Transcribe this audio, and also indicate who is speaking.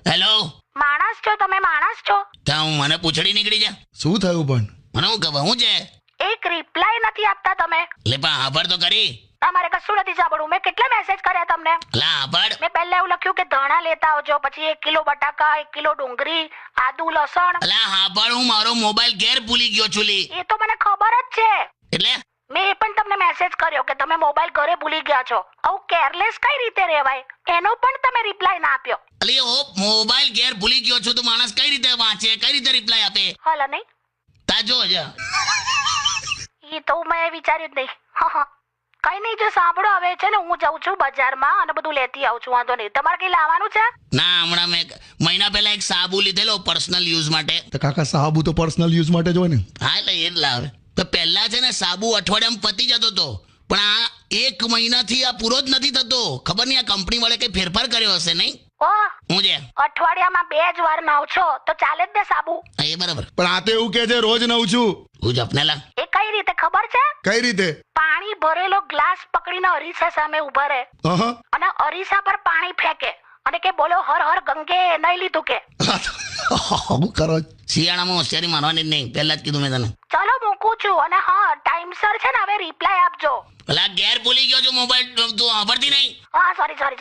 Speaker 1: Hello,
Speaker 2: માણસ છો તમે? માણસ છો?
Speaker 1: ત્યાં હું મને પૂછડી નીકળી જા.
Speaker 3: શું થયું પણ?
Speaker 1: મને હું ખબર હું છે?
Speaker 2: એક રિપ્લાય નથી આપતા તમે.
Speaker 1: લે પણ આભાર તો કરી.
Speaker 2: તમારે કશું નથી સાંભળવું. મેં કેટલા મેસેજ કર્યા તમને.
Speaker 1: લા આભાર.
Speaker 2: મેં પહેલા એવું લખ્યું કે ધાણા લેતા આવજો, પછી 1 કિલો બટાકા, 1 કિલો ડુંગળી, આદુ, લસણ.
Speaker 1: લા આભાર, હું મારો મોબાઈલ ઘેર ભૂલી ગયો છું લી.
Speaker 2: એ તો મને ખબર જ છે.
Speaker 1: એટલે
Speaker 2: મેં એ પણ તમને મેસેજ કર્યો કે તમે મોબાઈલ ઘરે ભૂલી ગયા છો. આવું કેરલેસ કઈ રીતે રહેવાય? એનો પણ તમે રિપ્લાય ના આપ્યો.
Speaker 1: અલી ઓ મોબાઈલ ઘેર ભૂલી ગયો છું તો માણસ કઈ રીતે વાંચે, કઈ રીતે રિપ્લાય આપે?
Speaker 2: હાલો નહીં.
Speaker 1: તા જો જા.
Speaker 2: એ તો મેં વિચાર્યું જ નહીં. હા, કઈ નહીં. જો સાંભળો, હવે છે ને હું જાઉં છું બજારમાં અને બધું લેતી આવું છું. વાંધો નહીં. તમારે કઈ લાવવાનું છે?
Speaker 1: ના, હમણાં મેં મહિના પહેલા એક સાબુ લીધેલો પર્સનલ યુઝ માટે.
Speaker 3: તો કાકા સાબુ તો પર્સનલ યુઝ માટે જ હોય ને.
Speaker 1: હા એટલે એ જ લાવે. તો પહેલા છે ને સાબુ અઠવાડિયામાં પતી જતો હતો, પણ આ 1 મહિનાથી આ પૂરો જ નથી થતો. ખબર નહીં આ કંપની વાળે કઈ ફેરફાર કર્યો હશે નહીં.
Speaker 2: ઓહ,
Speaker 1: હું છે
Speaker 2: અઠવાડિયામાં 2 જ વાર નાવ છો તો ચાલે જ ને સાબુ.
Speaker 1: હા, એ બરાબર.
Speaker 3: પણ આ તો એવું કે છે રોજ નવું છું.
Speaker 1: હું જપનેલા.
Speaker 2: એ કઈ રીતે ખબર છે?
Speaker 3: કઈ રીતે?
Speaker 2: પાણી ભરેલો ગ્લાસ પકડીને અરીસા સામે ઉભા રહે
Speaker 3: હા.
Speaker 2: અને અરીસા પર પાણી ફેંકે અને કે બોલો હર હર ગંગે, નહીં લીધું કે.
Speaker 3: હું કરો?
Speaker 1: શિયાળામાં હોશિયારી મારવાની જ નહીં, પહેલા જ કીધું મેં તને.
Speaker 2: ચલો મૂકું છું. અને હા, ટાઈમસર છે ને હવે રિપ્લાય આપજો.
Speaker 1: પેલા ઘેર ભૂલી ગયો છું મોબાઈલ, તું વાપરતી નહીં.
Speaker 2: હા, સોરી.